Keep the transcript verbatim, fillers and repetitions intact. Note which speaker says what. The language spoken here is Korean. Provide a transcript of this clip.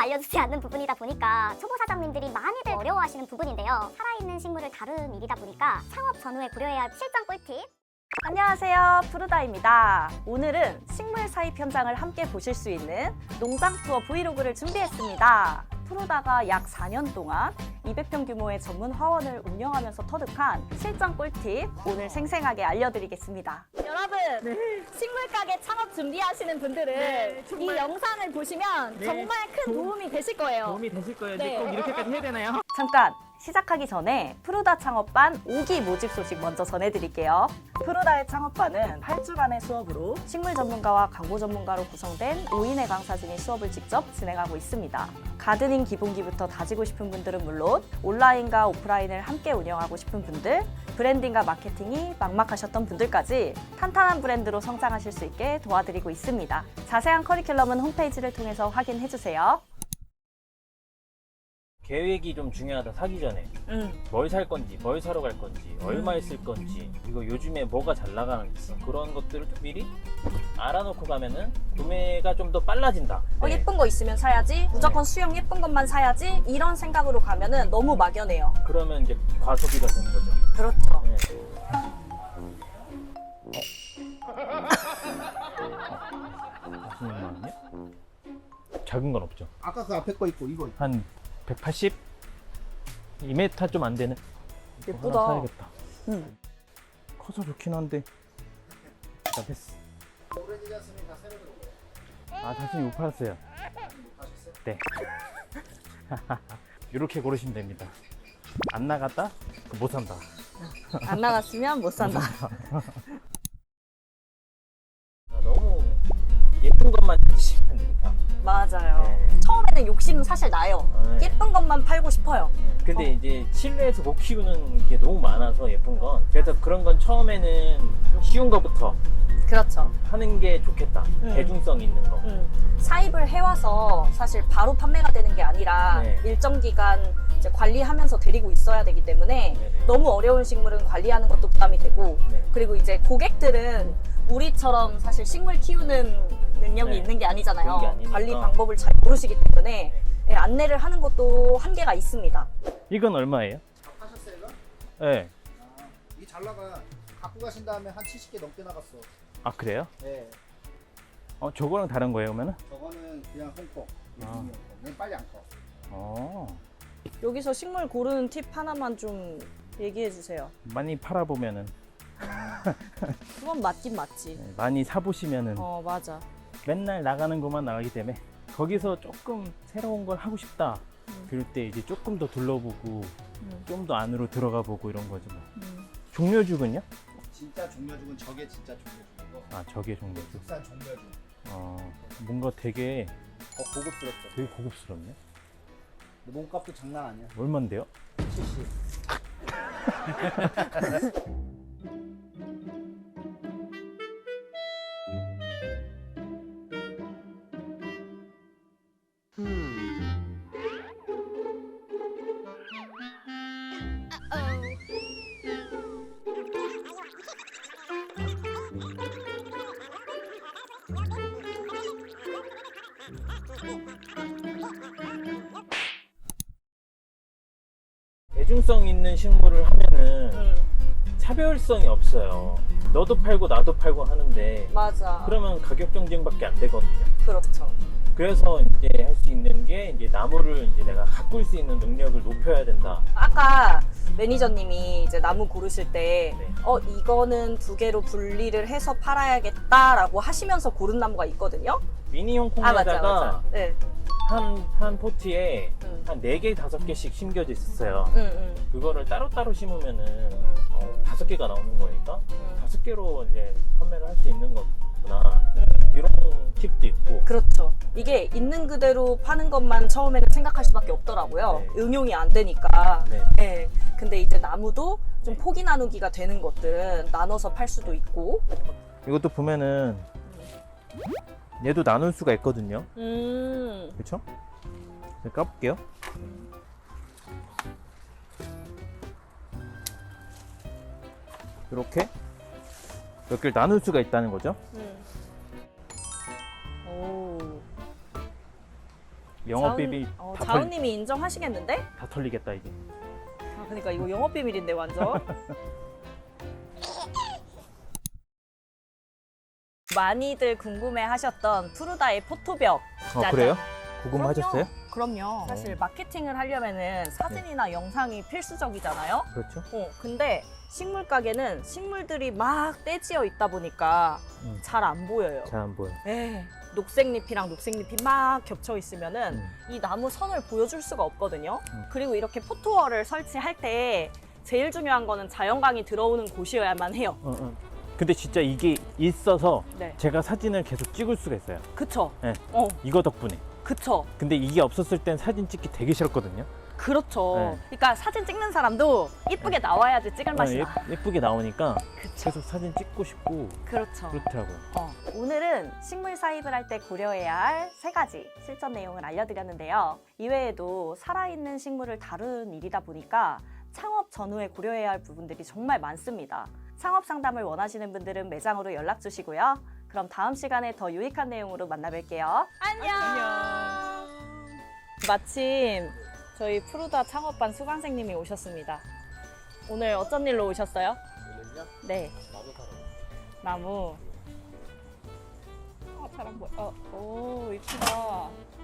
Speaker 1: 알려주지 않는 부분이다 보니까 초보 사장님들이 많이들 어려워하시는 부분인데요. 살아있는 식물을 다루는 일이다 보니까 창업 전후에 고려해야 할 실전 꿀팁.
Speaker 2: 안녕하세요, 푸르다입니다. 오늘은 식물 사입 현장을 함께 보실 수 있는 농장 투어 브이로그를 준비했습니다. 푸르다가 약 사 년 동안 이백 평 규모의 전문 화원을 운영하면서 터득한 실전 꿀팁 오늘 생생하게 알려드리겠습니다. 여러분, 식물 가게 창업 준비하시는 분들은
Speaker 3: 네,
Speaker 2: 이
Speaker 3: 정말.
Speaker 2: 영상을 보시면
Speaker 3: 네,
Speaker 2: 정말 큰
Speaker 3: 도움-
Speaker 2: 도움이 되실 거예요.
Speaker 3: 도움이 되실 거예요.
Speaker 2: 네.
Speaker 3: 근데 꼭 이렇게까지 해야 되나요?
Speaker 2: 잠깐! 시작하기 전에 푸르다 창업반 오 기 모집 소식 먼저 전해드릴게요. 푸르다의 창업반은 팔 주간의 수업으로 식물 전문가와 광고 전문가로 구성된 오 인의 강사진이 수업을 직접 진행하고 있습니다. 가드닝 기본기부터 다지고 싶은 분들은 물론 온라인과 오프라인을 함께 운영하고 싶은 분들, 브랜딩과 마케팅이 막막하셨던 분들까지 탄탄한 브랜드로 성장하실 수 있게 도와드리고 있습니다. 자세한 커리큘럼은 홈페이지를 통해서 확인해주세요.
Speaker 4: 계획이 좀 중요하다. 사기 전에
Speaker 2: 음.
Speaker 4: 뭘 살 건지, 뭘 사러 갈 건지, 얼마에 쓸 건지, 이거 요즘에 뭐가 잘 나가는지 그런 것들을 좀 미리 알아놓고 가면은 구매가 좀 더 빨라진다.
Speaker 2: 어,
Speaker 4: 네.
Speaker 2: 예쁜 거 있으면 사야지, 무조건 수영 예쁜 것만 사야지, 이런 생각으로 가면은 너무 막연해요.
Speaker 4: 그러면 이제 과소비가 되는 거죠.
Speaker 2: 그렇죠.
Speaker 4: 네. 사십육만 원이요? 작은 건 없죠.
Speaker 5: 아까 그 앞에 거 있고 이거 있고.
Speaker 4: 한 백팔십? 이 미터 좀 안 되는?
Speaker 2: 예쁘다.
Speaker 4: 하나 사야겠다.
Speaker 2: 음.
Speaker 4: 커서 좋긴 한데. 자, 됐어.
Speaker 5: 오렌지 자스민 다 새로 들어오고.
Speaker 4: 아, 자신이 못 팔았어요.
Speaker 5: 하셨어요?
Speaker 4: 네. 이렇게 고르시면 됩니다. 안 나갔다? 그럼 못 산다.
Speaker 2: 안 나갔으면 못 산다.
Speaker 4: 아, 너무 예쁜 것만 찾으시면 안 됩니다.
Speaker 2: 맞아요.
Speaker 4: 네.
Speaker 2: 처음에는 욕심 사실 나요.
Speaker 4: 아, 네.
Speaker 2: 예쁜 것만 팔고 싶어요.
Speaker 4: 근데
Speaker 2: 어.
Speaker 4: 이제 실내에서 못 키우는 게 너무 많아서 예쁜 건. 그래서 그런 건 처음에는 좀 쉬운 거부터
Speaker 2: 그렇죠.
Speaker 4: 하는 게 좋겠다.
Speaker 2: 음.
Speaker 4: 대중성 있는 거.
Speaker 2: 음. 사입을 해와서 사실 바로 판매가 되는 게 아니라
Speaker 4: 네.
Speaker 2: 일정 기간 이제 관리하면서 데리고 있어야 되기 때문에
Speaker 4: 네네.
Speaker 2: 너무 어려운 식물은 관리하는 것도 부담이 되고,
Speaker 4: 네.
Speaker 2: 그리고 이제 고객들은 우리처럼 사실 식물 키우는 능력이
Speaker 4: 네.
Speaker 2: 있는 게 아니잖아요.
Speaker 4: 그런 게 아니니까.
Speaker 2: 관리 방법을 잘 모르시기 때문에 예, 안내를 하는 것도 한계가 있습니다.
Speaker 4: 이건 얼마예요?
Speaker 5: 하셨어요 이거?
Speaker 4: 네.
Speaker 5: 아, 이게 잘 나가. 갖고 가신 다음에 한 칠십 개 넘게 나갔어.
Speaker 4: 아, 그래요?
Speaker 5: 네.
Speaker 4: 어, 저거랑 다른 거예요, 그러면은?
Speaker 5: 저거는 그냥 홍콩.
Speaker 4: 아.
Speaker 5: 아. 얘는 빨리 안 커.
Speaker 4: 어.
Speaker 2: 여기서 식물 고르는 팁 하나만 좀 얘기해 주세요.
Speaker 4: 많이 팔아보면은,
Speaker 2: 그건 맞긴 맞지.
Speaker 4: 네, 많이 사보시면은,
Speaker 2: 어, 맞아.
Speaker 4: 맨날 나가는 것만 나가기 때문에, 거기서 조금 새로운 걸 하고 싶다.
Speaker 2: 음.
Speaker 4: 그럴 때 이제 조금 더 둘러보고,
Speaker 2: 음.
Speaker 4: 좀 더 안으로 들어가 보고 이런 거죠. 뭐.
Speaker 2: 음.
Speaker 4: 종려죽은요?
Speaker 5: 진짜 종려죽은 저게 진짜 종려죽이고
Speaker 4: 아, 저게 종려죽.
Speaker 5: 국산 종려죽.
Speaker 4: 어, 뭔가 되게,
Speaker 5: 더 고급스럽죠.
Speaker 4: 되게 고급스럽네.
Speaker 5: 근데 몸값도 장난 아니야.
Speaker 4: 얼만데요?
Speaker 5: 칠십.
Speaker 4: 대중성 있는 식물을 하면은
Speaker 2: 음,
Speaker 4: 차별성이 없어요. 너도 팔고 나도 팔고 하는데
Speaker 2: 맞아.
Speaker 4: 그러면 가격 경쟁밖에 안 되거든요.
Speaker 2: 그렇죠.
Speaker 4: 그래서 이제 할 수 있는 게 이제 나무를 이제 내가 가꿀 수 있는 능력을 높여야 된다.
Speaker 2: 아까 매니저님이 이제 나무 고르실 때,
Speaker 4: 네.
Speaker 2: 어, 이거는 두 개로 분리를 해서 팔아야겠다라고 하시면서 고른 나무가 있거든요.
Speaker 4: 미니홈
Speaker 2: 아, 맞아,
Speaker 4: 콩에다가
Speaker 2: 맞아. 네.
Speaker 4: 한, 한 포트에
Speaker 2: 음.
Speaker 4: 한 네 개, 다섯 개씩 심겨져 있었어요.
Speaker 2: 응, 응.
Speaker 4: 그거를 따로따로 심으면은 어, 다섯 개가 나오는 거니까
Speaker 2: 음.
Speaker 4: 다섯 개로 이제 판매를 할 수 있는 거구나. 이런 팁도 있고.
Speaker 2: 그렇죠. 이게 있는 그대로 파는 것만 처음에는 생각할 수밖에 없더라고요.
Speaker 4: 네.
Speaker 2: 응용이 안 되니까.
Speaker 4: 네.
Speaker 2: 네. 근데 이제 나무도 좀 포기 나누기가 되는 것들은 나눠서 팔 수도 있고.
Speaker 4: 이것도 보면은 얘도 나눌 수가 있거든요.
Speaker 2: 음.
Speaker 4: 그렇죠? 까볼게요. 이렇게 몇 개를 나눌 수가 있다는 거죠.
Speaker 2: 음. 오.
Speaker 4: 영업 비밀
Speaker 2: 자은, 어,
Speaker 4: 다, 털,
Speaker 2: 자은님이 인정하시겠는데?
Speaker 4: 다 털리겠다 이제.
Speaker 2: 아, 그러니까 이거 영업 비밀인데 완전. 많이들 궁금해하셨던 푸르다의 포토벽.
Speaker 4: 어
Speaker 2: 짜잔.
Speaker 4: 그래요? 궁금하셨어요?
Speaker 2: 그럼요. 그럼요. 사실 마케팅을 하려면은 사진이나 영상이 필수적이잖아요.
Speaker 4: 그렇죠.
Speaker 2: 어, 근데 식물 가게는 식물들이 막 떼지어 있다 보니까
Speaker 4: 음.
Speaker 2: 잘 안 보여요.
Speaker 4: 잘 안 보여.
Speaker 2: 에 녹색잎이랑 녹색잎이 막 겹쳐 있으면은
Speaker 4: 음.
Speaker 2: 이 나무 선을 보여줄 수가 없거든요.
Speaker 4: 음.
Speaker 2: 그리고 이렇게 포토월을 설치할 때 제일 중요한 거는 자연광이 들어오는 곳이어야만 해요.
Speaker 4: 어, 어. 근데 진짜 이게 있어서
Speaker 2: 네.
Speaker 4: 제가 사진을 계속 찍을 수가 있어요.
Speaker 2: 그쵸?
Speaker 4: 네.
Speaker 2: 어,
Speaker 4: 이거 덕분에.
Speaker 2: 그쵸?
Speaker 4: 근데 이게 없었을 땐 사진 찍기 되게 싫었거든요.
Speaker 2: 그렇죠.
Speaker 4: 네.
Speaker 2: 그러니까 사진 찍는 사람도 이쁘게 나와야지 찍을 맛이
Speaker 4: 예,
Speaker 2: 나.
Speaker 4: 예쁘게 나오니까
Speaker 2: 그쵸?
Speaker 4: 계속 사진 찍고 싶고
Speaker 2: 그렇죠.
Speaker 4: 그렇더라고요.
Speaker 2: 어, 오늘은 식물 사입을 할 때 고려해야 할 세 가지 실전 내용을 알려드렸는데요. 이외에도 살아있는 식물을 다루는 일이다 보니까 창업 전후에 고려해야 할 부분들이 정말 많습니다. 창업 상담을 원하시는 분들은 매장으로 연락 주시고요. 그럼 다음 시간에 더 유익한 내용으로 만나뵐게요. 안녕. 마침 저희 푸르다 창업반 수강생님이 오셨습니다. 오늘 어쩐 일로 오셨어요?
Speaker 5: 오늘요?
Speaker 2: 네.
Speaker 5: 나도 사러.
Speaker 2: 나무. 어, 잘 안 보여. 어, 오, 이쁘다.